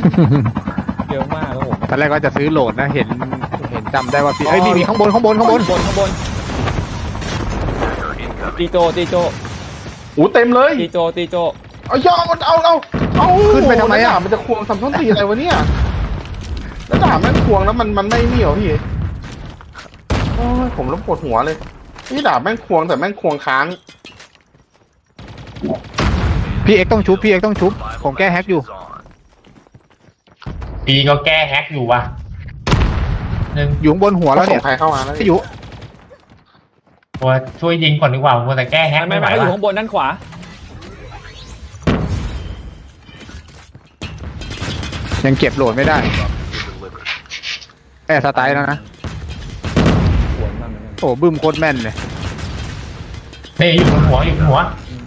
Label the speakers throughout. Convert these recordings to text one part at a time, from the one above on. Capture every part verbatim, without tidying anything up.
Speaker 1: เยอะมากครับผม
Speaker 2: ตอนแรกก็จะซื้อโหลดนะเห็นเห็นจำได้ว่าพี่เอ้ยมีมีข้างบนข้างบนข้างบน
Speaker 1: บนข้างบนตีโจตีโจ
Speaker 3: โอ้เต็มเลย
Speaker 1: ตีโจตีโจ
Speaker 3: เอาย่อเอาเอาเอาเอา
Speaker 2: ขึ้นไปทำไมอ่ะ
Speaker 3: มันจะควงทำต้นตีอะไรวะเนี่ยแล้วด่าแม่งควงแล้วมันมันไม่เหนียวพี่โอ้ยผมเริ่มปวดหัวเลยนี่ด่าแม่งควงแต่แม่งควงค้าง
Speaker 2: พี่เอ็กต้องชุบพี่เอ็กต้องชุบผมแก้แฮกอยู่
Speaker 4: ปีก็แก้แฮกอยู่ว่ะหนึ่ง
Speaker 2: อยู่ข้างบนหัวแล้ว
Speaker 3: ส่
Speaker 2: เนี่
Speaker 3: ง
Speaker 2: ย
Speaker 3: ใครเข้ามาแล้ว
Speaker 2: พี่อยู่
Speaker 4: ตัวช่วยยิงก่อนดีกว่ามัวแต่แก้แฮก
Speaker 1: ไม่
Speaker 4: ไม่
Speaker 1: ไม่
Speaker 4: ไหว
Speaker 1: ไม่เขาอยู่
Speaker 4: ว่ะ
Speaker 1: ข้างบนด้านขวา
Speaker 2: ยังเก็บโหลดไม่ได้แอร์สไตล์แล้วนะ
Speaker 1: สวนมากเหมือนกัน
Speaker 2: โอ้บึ้มโคตรแม่นเลย
Speaker 4: นี่อยู่บนหัวอยู่บนหัว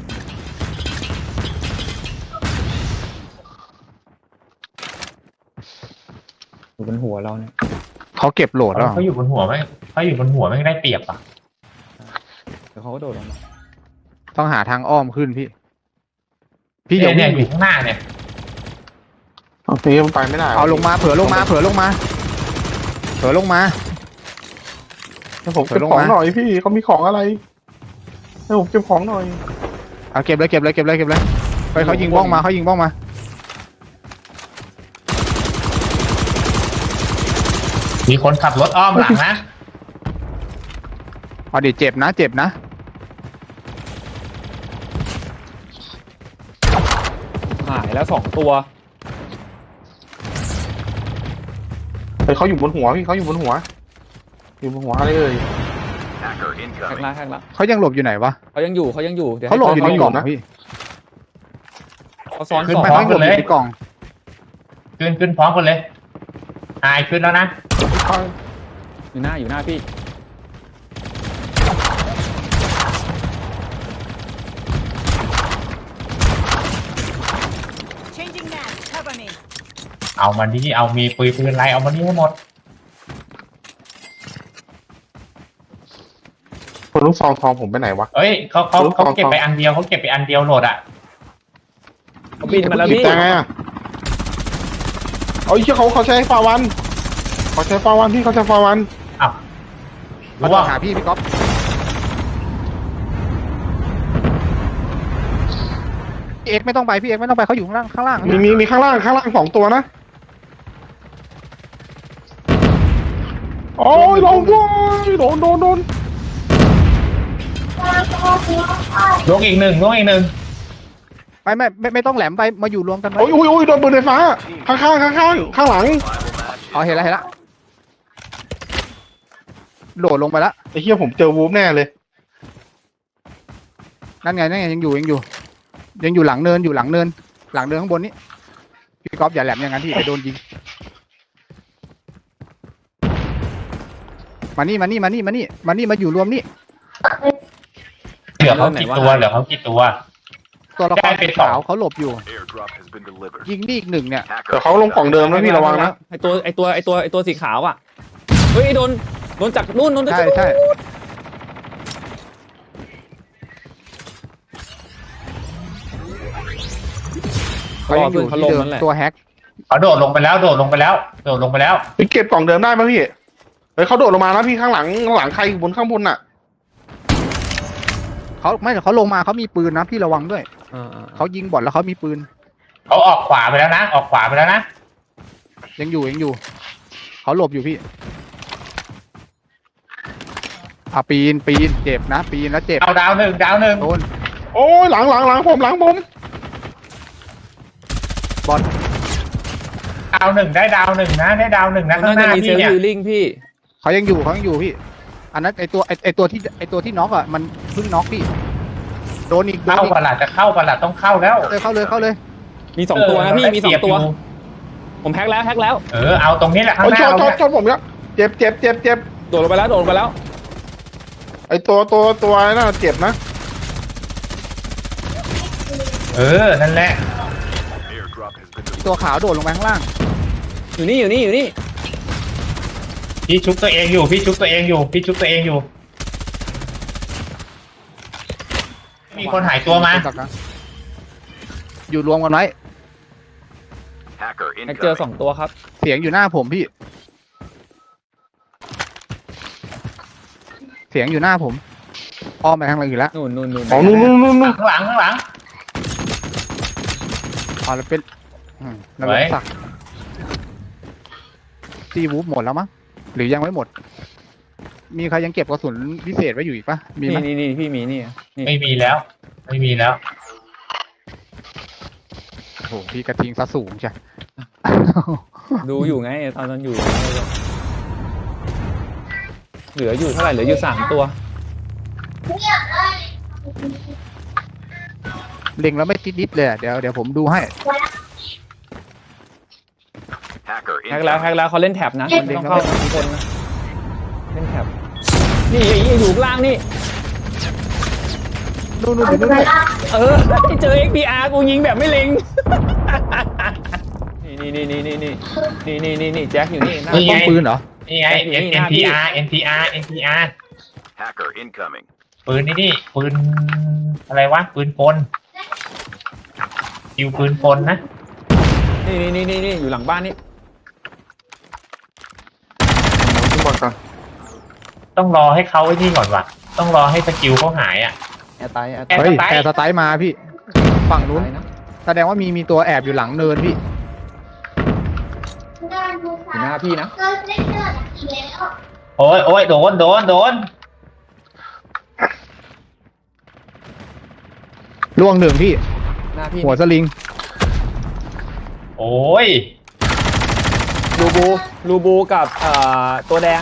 Speaker 1: อยู่บนหัวเราเนี่ย
Speaker 2: เขาเก็บโหลดแล้ว
Speaker 4: เขาอยู่บนหัวไม่เขาอยู่บนหัวไม่ได้เปรียบอ่ะ
Speaker 1: เดี๋ยวเขาก็โดดลงมา
Speaker 2: ต้องหาทางอ้อมขึ้นพี่ พี่
Speaker 4: เนี่
Speaker 2: เดี๋
Speaker 4: ย
Speaker 2: ยว
Speaker 4: เนี่ย
Speaker 2: วิ่ง
Speaker 4: อยู่ข้างหน้าเนี่ย
Speaker 3: เอาตีมันไปไม่ได้
Speaker 2: เอาลงมาเผื่อลงมาเผื่อลงมาเผื่อลงมา
Speaker 3: ให้ผมเก็บของหน่อยพี่เขามีของอะไรให้ผมเก็บของหน่อย
Speaker 2: เอาเก็บเลยเก็บเลยเก็บเลยเก็บเลยไปเขายิงบ้องมาเขายิงบ้องมา
Speaker 4: มีคนขับรถอ้อมหลังนะ
Speaker 2: เอาดิเจ็บนะเจ็บนะ
Speaker 1: หายแล้วสองตัว
Speaker 3: เฮ้ยเขาอยู่บนหัวพี่เขาอยู่บนหัว อยู่บนหัวอะไรเอ่ย
Speaker 1: แท็กละแท็กละ
Speaker 2: เขายังหลบอยู่ไหนวะ
Speaker 1: เขายังอยู่เขายังอยู่เดี๋ยว
Speaker 2: เขาหลบอยู่ในกล่อง
Speaker 3: นะ
Speaker 2: นะพี่
Speaker 1: เขาซ้อน
Speaker 4: ขึ้น
Speaker 1: สอง
Speaker 4: ไป
Speaker 2: ไม่เขาหลบอยู่ในกล่อง
Speaker 4: ขึ้นขึ้นพร้อมกันเลยหายขึ้นแล้วนะ
Speaker 1: อยู่หน้าอยู่หน้าพี่
Speaker 5: Changing mag. Cover me.
Speaker 4: เอามันที่เอามีปืนปืนอะไรเอามันนี่ให้หมด
Speaker 3: คนลูกซองทองผมไปไหนวะ
Speaker 4: เอ้ยเขาเขา
Speaker 3: รู้
Speaker 4: เขา
Speaker 3: ของ
Speaker 4: เก็บไปอันเดียวเขาเก็บไปอันเดียวโหลดอ่ะ
Speaker 1: เขาบินมาแล้ว
Speaker 3: หยิบ
Speaker 1: พี่
Speaker 3: ได้ไงอ่ะเอาไอ้เชี่ยเขาเขาใช้ฟาวันเขาใช้ฟาวันพี่เขาใช้ฟาวัน
Speaker 4: อ้าว
Speaker 2: เขา
Speaker 4: รู้
Speaker 2: ต้อ
Speaker 4: ว่าง
Speaker 2: หาพี่พี่ก๊อฟพี่เอ็กไม่ต้องไปพี่เอ็กไม่ต้องไปเขาอยู่ข้างล่างข้างล่าง
Speaker 3: มีมีมีข้างล่างข้างล่างสองตัวนะโอ้ยโดนโดนโดนโดนโดน
Speaker 4: ลงอีกหนึ่งลงอีกหนึ่ง
Speaker 2: ไม่ไม่ไม่ไม่ต้องแหลมไปมาอยู่รวมกันไว้
Speaker 3: โอ้ยโอ้ยโอ้ยโดนปืนไฟฟ้าข้างข้างข้างข้างข้างหลัง
Speaker 2: อ๋อเห็นแล้วเห็นแล้วโดดลงไปแล้ว
Speaker 3: ไอ้เหี้ยผมเจอวูฟแน่เลย
Speaker 2: นั่นไงนั่นไงยังอยู่ยังอยู่ ยังอยู่หลังเนินอยู่หลังเนิน หลังเนินข้างบนนี้พี่ก๊อฟอย่าแหลมอย่างนั้นที่ไปโดนยิงมานี่มานี่มานี่มานี่มานี่มาอยู่รวมนี่
Speaker 4: เหลือเขากี่ตัวเหลือเขากี่ตัว
Speaker 2: ตัวละค
Speaker 4: ได้
Speaker 2: ร
Speaker 4: ไป
Speaker 2: สี
Speaker 4: สอง
Speaker 2: ขาวเขาหลบอยู่ ยิงนี่อีกหนึ่งเนี่ย
Speaker 3: เดี๋ยวเขาลงกล่องเดิมนะพี่ระวังนะ
Speaker 1: ไอตัวไอตัวไอตัวไอตัวสีขาวอ่ะเฮ้ยโดนโดนจากนู่นโดนจาก
Speaker 2: ใช่ใช่เขายังอยู่ที่เดิมตัวแฮก
Speaker 4: เขาโดดลงไปแล้วโดดลงไปแล้วโดดลงไปแล้ว
Speaker 3: ไปเก็บกล่องเดิมได้ไหมพี่เฮ้ยเขาโดดลงมาแล้วพี่ข้างหลังข้างหลังใครอยู่บนข้างบนน่ะ
Speaker 2: เขาไม่เขาลงมาเขามีปืนนะพี่ระวังด้วย
Speaker 1: อ่าอ่า
Speaker 2: เขายิงบอดแล้วเขามีปืน
Speaker 4: เขาออกขวาไปแล้วนะ ออกขวาไปแล้วนะ
Speaker 2: ยังอยู่ยังอยู่เขาหลบอยู่พี่อ่ะปีนปีนเจ็บนะปีนแล้วเจ็บ
Speaker 4: เอาดาวหนึ่งดาวหนึ่ง
Speaker 2: โดน
Speaker 3: โอ้ยหลังหลังหลังผมหลังผม
Speaker 2: บอล
Speaker 4: ดาวหนึ่งได้ดาวหนึ่งนะได้ดาวหนึ่งนะข้า
Speaker 1: น่าง
Speaker 4: ห
Speaker 1: จะ
Speaker 4: น้า
Speaker 1: มีเซ
Speaker 4: พี่
Speaker 1: ล
Speaker 4: เนี่ย
Speaker 1: ล์ฮิลลิ่งพี่
Speaker 2: เขายังอยู่เขายังอยู่พี่ อันนั้นไอตัวไอไอตัวที่ไอตัวที่น็อกอ่ะมันเพิ่งน็อกพี่โดนอีกโดน
Speaker 4: เข้า
Speaker 2: อีก
Speaker 4: ประหลาดจะเข้าประหลาดต้องเข้าแล้ว
Speaker 2: เลยเข้าเลยเข้าเลย
Speaker 1: มีสองตัวนะพี่มีสองตัว
Speaker 4: เได้เปรียบยู่
Speaker 1: ผมแพ็กแล้วแพ็กแล้ว
Speaker 4: เออเอาตรงนี้แหละข้าง
Speaker 3: โอ้ย
Speaker 4: ห
Speaker 3: ช
Speaker 4: น้าน
Speaker 3: ช
Speaker 4: เรา
Speaker 3: น
Speaker 4: เนี่ย
Speaker 3: ชนผมเนี่ยเจ็บเจ็บเจ็บเจ็บ
Speaker 1: โดดลงไปแล้วโดดลงไปแล้ว
Speaker 3: ไอตัวตัวตัวน่าเจ็บนะ
Speaker 4: เออนั่นแหละ
Speaker 2: ตัวขาวโดดลงไปข้างล่าง
Speaker 1: อยู่นี่อยู่นี่อยู่นี่
Speaker 4: พี่ชุบตัวเองอยู่พี่ชุบตัวเองอยู่พี่ชุบตัวเองอยู่ มีคนหายตัวมา
Speaker 2: อยู่รวมกันไว้
Speaker 6: Hacker
Speaker 1: แฮกเจอ
Speaker 6: incoming.
Speaker 1: สองตัวครับ
Speaker 2: เสียงอยู่หน้าผมพี่ เสียงอยู่หน้าผมอ้อมไปทางไหนอยู่แล้ว
Speaker 1: นู่นนู่นนู่น
Speaker 3: อ๋อนู่นนู่นนู่นนู่น
Speaker 4: ข้างหลังข้างหลัง
Speaker 2: อ๋อแล้วเป็นอืมนร
Speaker 4: ไว้
Speaker 2: กสักซีวูฟหมดแล้วมั้งหรือยังไม่หมด มีใครยังเก็บกระสุนพิเศษไว้อยู่อีกปะมีไหม
Speaker 1: นี่นี่นี่พี่มีนี่นี่
Speaker 4: ไม่มีแล้ว ไม่มีแล้ว
Speaker 2: โอ้โหพี่กระทิงซะสูงใช่
Speaker 1: ดูอยู่ไงตอนนั้นอยู่ เหลืออยู่เท่าไหร่เหลืออยู่สามตัว
Speaker 2: เล็งแล้วไม่ติดดิบเลยอะเดี๋ยวเดี๋ยวผมดูให้
Speaker 6: Hacker
Speaker 1: แฮกแล้วแฮ
Speaker 6: incoming.
Speaker 1: กแล้วเขาเล่นแท็บนะมันต้องเข้าทุกคนนะเล่นแท็บนี่ไอ้ไอ้อยู่ข้างล่างนี่
Speaker 2: นู่นนู่นอยู่นู่นด้วย
Speaker 1: เออที่เจอ เอ็ก พี อาร์ กูยิงแบบไม่เล็ง นี่นี่นี่นี่นี่นี่นี่นี่นี่แจ็คอยู่นี่หน้า
Speaker 4: นี่ไง
Speaker 2: ป้อมปืนเหรอ
Speaker 4: นี่ไง
Speaker 1: อยู่นี่หน้าพี่
Speaker 4: เอ็น พี อาร์ เอ็น พี อาร์ เอ็น พี อาร์
Speaker 6: Hacker incoming.
Speaker 4: ปืนนี่นี่ปืนอะไรวะปืนกลคิวปืนกลนะ
Speaker 1: นี่นี่นี่นี่อยู่หลังบ้านนี่
Speaker 3: ขึ้นบอลก่อน
Speaker 4: ต้องรอให้เขาไอ้นี่ก่อนว่ะต้องรอให้สกิลเขาหายอ่ะ
Speaker 1: แอร์ไตแอร์ไต
Speaker 4: แอร์
Speaker 2: เฮ้ย
Speaker 4: สไตล์
Speaker 2: แอร์สไตล์มาพี่ ฝั่งนู้น
Speaker 1: นะ
Speaker 2: แสดงว่ามีมีตัวแอบอยู่หลังเนินพี่
Speaker 1: อยู่หน้าพี่นะ
Speaker 4: โอ้ยโอ้ยโดนโดนโดน
Speaker 2: ล่วงหนึ่งพี่
Speaker 1: หน้าพี่
Speaker 2: หัวสลิง
Speaker 4: โอ้ย
Speaker 1: ลูบูลูบูกับเอ่อตัวแดง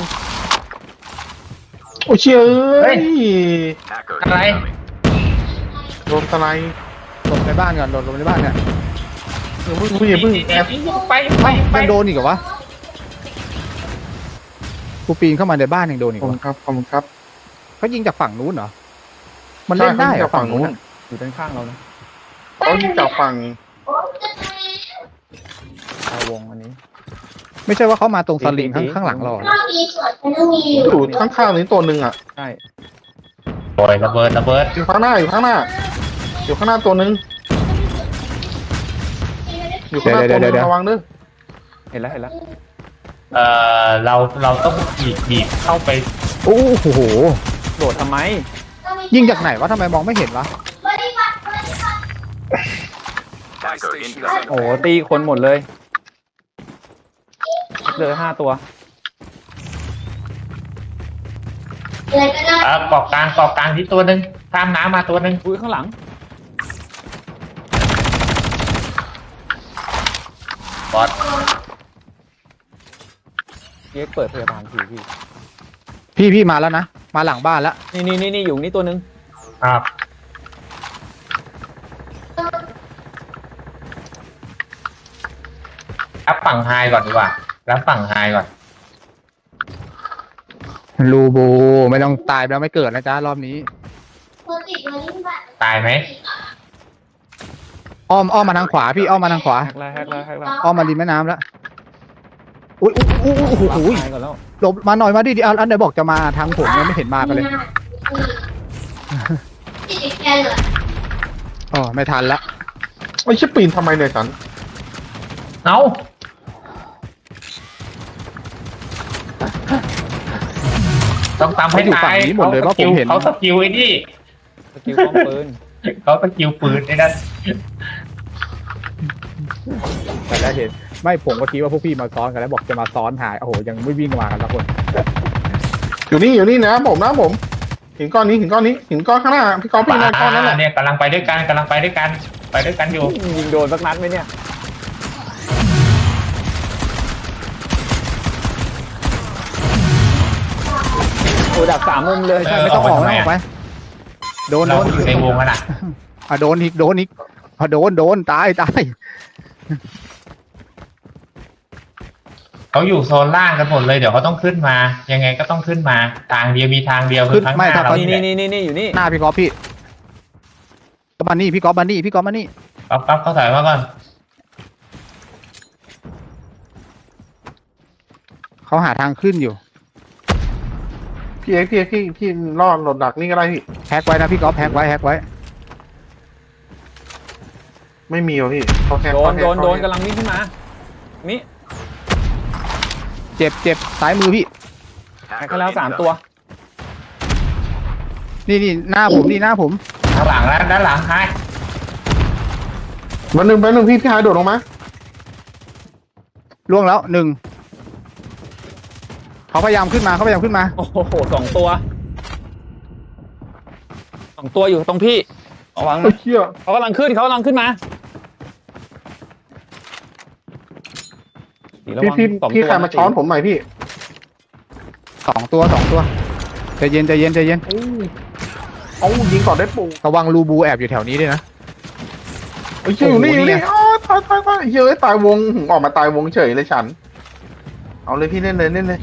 Speaker 3: โอ้เชี่ยเอ้ย
Speaker 6: Hacker
Speaker 4: อะไร
Speaker 6: incoming.
Speaker 3: โดนสไลด์
Speaker 2: หลบในบ้านก่อนหลบหลบในบ้านเนี่ย
Speaker 3: อย่าเพิ่งอย่าเพิ่งแอบ
Speaker 4: ไปไปไป
Speaker 2: ยังโดนอีกเหรอวะกูปีนเข้ามาในบ้านยังโดนอีก
Speaker 3: ขอบ
Speaker 2: วะ
Speaker 3: คุณครับขอบคุณครับ
Speaker 2: เขายิงจากฝั่งนู้นเหรอ มันเล่นได้เหรอ
Speaker 3: ใช่เขายิงจากฝั่
Speaker 2: ฝั่ง
Speaker 3: งนู้
Speaker 2: นู้น
Speaker 3: น
Speaker 2: อะ
Speaker 1: อยู่ด้านข้างเรานะ
Speaker 3: เขายิงจากฝั่ง
Speaker 1: ชาววงอันนี้
Speaker 2: ไม่ใช่ว่าเขามาตรงสลิง
Speaker 1: ตี
Speaker 2: ข้าง
Speaker 1: ตี
Speaker 2: ข้างหลังเราเหรอ
Speaker 3: อยู่ข้างๆนี้ตัวหนึ่งอ่ะ
Speaker 1: ใช่
Speaker 4: โอ้ยระเบิดระเบิด
Speaker 3: อยู่ข้างหน้าอยู่ข้างหน้า อยู่ข้างหน้าตัวหนึ่งอยู่ข้างหน้าตัวหนึ่งระวังด้วย
Speaker 1: เห็นแล้วเห็นแล้ว
Speaker 4: เอ่อเราเราต้องบีบบีบเข้าไป
Speaker 2: โอ้โห
Speaker 1: โดดทำไม
Speaker 2: ยิงจากไหนวะทำไมมองไม่เห็นวะ
Speaker 6: Hacker incoming.
Speaker 1: โอ้โหตีคนหมดเลยเจอห้าตัว
Speaker 4: อ่าเกาะกลางเกาะกลางที่ตัวหนึ่งข้ามน้ำมาตัวหนึ่ง
Speaker 1: อุ้ยข้างหลัง
Speaker 4: บอส
Speaker 1: เย็กเปิดพยาบาลทีพี่
Speaker 2: พี่พี่มาแล้วนะ มาหลังบ้านแล้ว
Speaker 1: นี่นี่นี่นี่อยู่นี่ตัวหนึง
Speaker 4: ครับรับฝั่งไฮก่อนดีกว่ารับฝั่งไฮก่อน
Speaker 2: ลูบูไม่ต้องตายแล้วไม่เกิดนะจ๊ะรอบนี้
Speaker 4: ตายไหม
Speaker 2: อ้อมอ้อมมาทางขวาพี่อ้อมมาทางขวา
Speaker 1: แฮกแล้วแฮกแล้วแฮกแล้ว
Speaker 2: อ้อมมาริมแม่น้ำแล้ว อุ้ยอุ้ยอุ้ยอุ้ยโอ้โห
Speaker 1: ตายก่อนแล้ว
Speaker 2: หลบมาหน่อยมาดิดิอันอันไหนบอกจะมาทางผมยังไม่เห็นมากันเลยอ๋อไม่ทันละ
Speaker 3: ไอ้ชิบปีนทำไมเนี่ยสัน
Speaker 4: เอาต้องตามให้
Speaker 2: เขาอยู่
Speaker 4: ตา
Speaker 2: ฝั่ง
Speaker 4: ย
Speaker 2: นี้หมดเลยว่าผมเห็น
Speaker 4: เขาสกิลไอ้นี่
Speaker 1: สกิลป้อมปืน
Speaker 4: เขาสกิลปืนไอ้นั่น
Speaker 2: แต่แล้วเห็นไม่ผมก็คิดว่าพวกพี่มาซ้อนกันแล้วบอกจะมาซ้อนหายโอ้โหยังไม่วิ่งมากันสักคน
Speaker 3: อยู่นี่อยู่นี่นะผมนะผมหินก้อนนี้หินก้อนนี้หินก้อนข้างหน้าพี่กอล์ฟพี่นอนก้อนนั้นแหละ
Speaker 4: เนี่ยกำลังไปด้วยกันกำลังไปด้วยกัน ไปด้วยกันอยู่
Speaker 1: ยิงโดนสักนัดไหมเนี่ยโอ้ดักสามมุมเลยใช่
Speaker 2: ไม่ต้องออกไม่ต้องออกไปโดนโด
Speaker 4: เรา
Speaker 2: น
Speaker 4: อยู่ในวงกันอ่ะ
Speaker 2: อ่ะโดนอีกโดนอีกพอโดนโดนตายตาย
Speaker 4: เขาอยู่โซนล่างกันหมดเลยเดี๋ยวเขาต้องขึ้นมา ยังไงก็ต้องขึ้นมาทางเดียวมีทางเดียวคือข้างหน้าเรา
Speaker 1: นี่
Speaker 4: นี่
Speaker 1: นี่นี่นี่อยู่นี่
Speaker 2: หน้าพี่กอล์ฟพี่ก็มานี่พี่กอล์ฟมานี่พี่กอล์ฟมานี่
Speaker 4: ปั๊บปั๊บเขาถอยมาก่อน
Speaker 2: เขาหาทางขึ้นอยู่
Speaker 3: พี่เอ็กซ์พี่เอ็กซ์พี่พี่รอดหลดดักนี่ก็ได้พี่
Speaker 2: แฮกไว้นะพี่กอล์ฟแฮกไว้แฮกไว้
Speaker 3: ไม่มีหรอพี่เขาแค่
Speaker 1: โดน
Speaker 3: เขาแค่
Speaker 1: โดนโดน
Speaker 3: เขาแค่
Speaker 1: กำลังวิ่งขึ้นมานี่
Speaker 2: เจ็บเจ็บซ้ายมือพี่
Speaker 1: แฮกกันแล้วสามตัว
Speaker 2: นี่นี่หน้าผมนี่หน้าผม
Speaker 4: ข้างหลังแล้วด้านหลังใคร
Speaker 3: วันหนึ่งไปหนึ่งพี่พี่หายโดดลงมา
Speaker 2: ล่วงแล้วหนึ่งเขาพยายามขึ้นมาเขาพยายามขึ้นมา
Speaker 1: โอ้โหสองตัวสองตัวอยู่ตรงพี่ระวัง
Speaker 3: ไอ้
Speaker 1: นะ
Speaker 3: เชี่ย
Speaker 1: เขากำลังขึ้นเขากำลังขึ้นมาระ
Speaker 3: พี่
Speaker 1: วัง
Speaker 3: พี่
Speaker 1: สอง
Speaker 3: พี่
Speaker 1: ตัว
Speaker 3: ใครมาช้อนผมใหม่พี่
Speaker 2: สองตัวสองตัวใจเย็นใจเย็นใจเย็น
Speaker 3: เอายิงก่อนได้ปู
Speaker 2: ระวังรูบูแอบอยู่แถวนี้ด้วยนะ
Speaker 3: ไอ้เชี่ยอยู่นี่อ
Speaker 2: โอ้
Speaker 3: ยู่
Speaker 2: โหนี่
Speaker 3: นี่
Speaker 2: ไง
Speaker 3: อ๋อตายตายตายเฮ้ยตายวงออกมาตายวงเฉยเลยฉัน เอาเลยพี่เล่นเลยเล่นเลย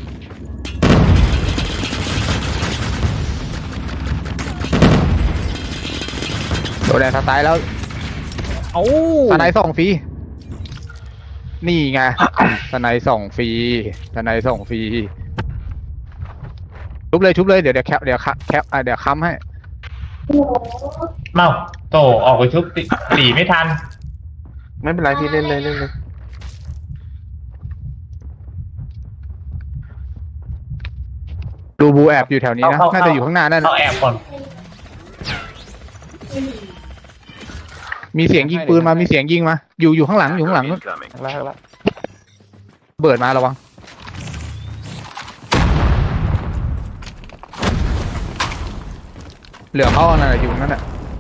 Speaker 2: โดนแดดสไตล์แล้ว
Speaker 1: เอ้า
Speaker 2: สไนด์ส่องฟรีนี่ไงสไนด์ส่องฟรีสไนด์ส่องฟรีชุบเลยชุบเลยเดี๋ยวเดี๋ยวแคปเดี๋ยวแคปอ่ะเดี๋ยวค้ำให้
Speaker 4: เมาโตออกไปชุบตีตีไม่ทัน
Speaker 3: ไม่เป็นไรพี่เล่นเลยเล่นเลย
Speaker 2: รูบูแอบอยู่แถวนี้นะน่าจะอยู่ข้างหน้านั่น
Speaker 4: เขาแอบก่อน
Speaker 2: มีเสียงยิงปืนมามีเสียงยิงมาอยู่อยู่ข้างหลังอยู่ข้างหลัง
Speaker 6: Hacker
Speaker 2: นู้น
Speaker 6: incoming.
Speaker 1: แล้วแล้ว
Speaker 2: เบิดมาระวังเหลือเขาอะไรอยู่นั่นแหละ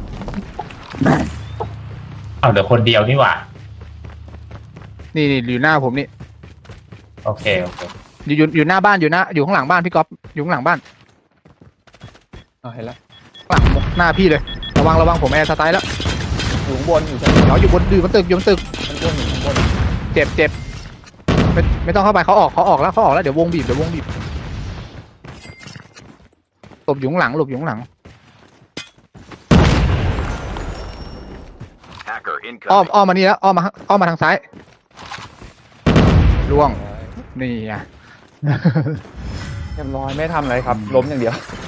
Speaker 4: เอาเดี๋ยวคนเดียวนี่หว่า
Speaker 2: นี่นี่อยู่หน้าผมนี่
Speaker 4: โอเคโอเค
Speaker 2: อยู่อยู่อยู่หน้าบ้านอยู่หน้าอยู่ข้างหลังบ้านพี่ก๊อฟอยู่ข้างหลังบ้าน
Speaker 1: อ๋อเห็นแล้ว
Speaker 2: ข้างหลังหน้าพี่เลยระวังระวังผมแอร์สไตล์แล้ว
Speaker 1: อยู่ข้างบนอยู่ชั้น
Speaker 2: เดี๋ยวอยู่บนอยู่บนตึกอยู่บนตึก
Speaker 1: ชั้นบนอยู่ข้างบน
Speaker 2: เจ็บเจ็บไม่ไม่ต้องเข้าไปเขาออกเขาออกแล้วเขาออกแล้วเดี๋ยววงบีบเดี๋ยววงบีบหลบอยู่ข้างหลังหลบอยู่ข้างหลัง
Speaker 6: Hacker
Speaker 2: อ้อม
Speaker 6: incoming.
Speaker 2: อ้อมมานี่แล้วอ้อมมาอ้อมมาทางซ้ายล่วงนี่ไง
Speaker 1: เรียบร้อยไม่ทำอะไรครับ ล้มอย่างเดียว